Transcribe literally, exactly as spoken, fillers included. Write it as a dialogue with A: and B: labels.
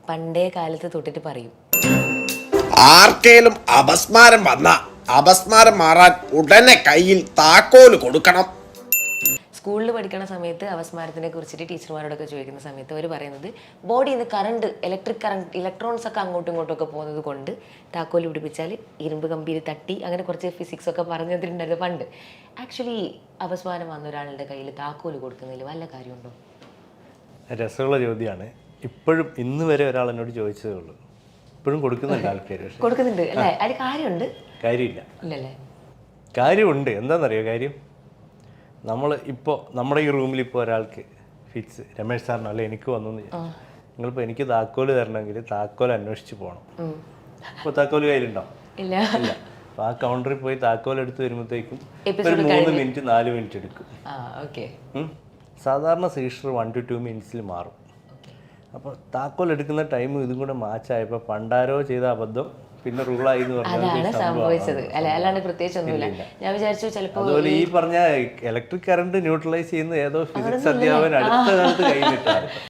A: പണ്ടേ കാലത്ത് തൊട്ടിട്ട് പറയും,
B: ആർക്കേലും അപസ്മാരം വന്ന അപസ്മാരം മാറാൻ ഉടനെ കയ്യിൽ താക്കോല് കൊടുക്കണം.
A: സ്കൂളിൽ പഠിക്കുന്ന സമയത്ത് അപസ്മാരത്തിനെ കുറിച്ചിട്ട് ടീച്ചർമാരോടൊക്കെ ചോദിക്കുന്ന സമയത്ത് അവർ പറയുന്നത് ബോഡിയിൽ നിന്ന് കറണ്ട് ഇലക്ട്രിക് കറണ്ട് ഇലക്ട്രോൺസ് ഒക്കെ അങ്ങോട്ടും ഇങ്ങോട്ടും ഒക്കെ പോകുന്നത് കൊണ്ട് താക്കോല് പിടിപ്പിച്ചാൽ ഇരുമ്പ് കമ്പിയിൽ തട്ടി അങ്ങനെ കുറച്ച് ഫിസിക്സ് ഒക്കെ പറഞ്ഞു തന്നിട്ടുണ്ടായിരുന്നു പണ്ട്. ആക്ച്വലി അപസ്മാരം വന്ന ഒരാളുടെ കയ്യിൽ താക്കോല് കൊടുക്കുന്നതിൽ വല്ല കാര്യമുണ്ടോ?
C: രസമുള്ള ചോദ്യമാണ്. ഇപ്പോഴും ഇന്ന് വരെ ഒരാൾ എന്നോട് ചോദിച്ചതേ ഉള്ളൂ. ഇപ്പോഴും കൊടുക്കുന്നുണ്ട് ആൾക്കാർ.
A: കൊടുക്കുന്നുണ്ട് അല്ലേ? അതിൽ കാര്യമുണ്ട്?
C: കാര്യമില്ല.
A: ഇല്ലല്ലേ?
C: കാര്യമുണ്ട്. എന്താണെന്നറിയോ കാര്യം? നമ്മൾ ഇപ്പോൾ നമ്മുടെ ഈ റൂമിൽ ഇപ്പോൾ ഒരാൾക്ക് ഫിക്സ് രമേശ് സാറിനോ അല്ലെ എനിക്ക് വന്നു, നിങ്ങളിപ്പോൾ എനിക്ക് താക്കോല് തരണമെങ്കിൽ താക്കോൽ അന്വേഷിച്ച് പോകണം. ഇപ്പോൾ താക്കോല് കയ്യിലുണ്ടോ?
A: ഇല്ല.
C: ഇല്ല. അപ്പോൾ ആ കൗണ്ടറിൽ പോയി താക്കോൽ എടുത്ത് വരുമ്പോഴത്തേക്കും ഒരു മൂന്ന് മിനിറ്റ് നാല് മിനിറ്റ് എടുക്കും. സാധാരണ സീഷർ വൺ ടു ടു മിനിറ്റ്സിൽ മാറും. അപ്പോൾ താക്കോൽ എടുക്കുന്ന ടൈം ഇതും കൂടെ മാച്ചായപ്പോൾ പണ്ടാരോ ചെയ്ത അബദ്ധം പിന്നെ റൂളായി എന്ന്
A: അതാണ് സംഭവിച്ചത് അല്ലെ? അല്ലാണ്ട് പ്രത്യേകിച്ച് ഒന്നുമില്ല. ഞാൻ വിചാരിച്ചു ചിലപ്പോൾ
C: അതുപോലെ ഈ പറഞ്ഞ ഇലക്ട്രിക് കറണ്ട് ന്യൂട്രലൈസ് ചെയ്യുന്ന ഏതോ ഫിസിക്സ് അധ്യാപകൻ അടുത്ത കാലത്ത് കയ്യിലിട്ടാണ്.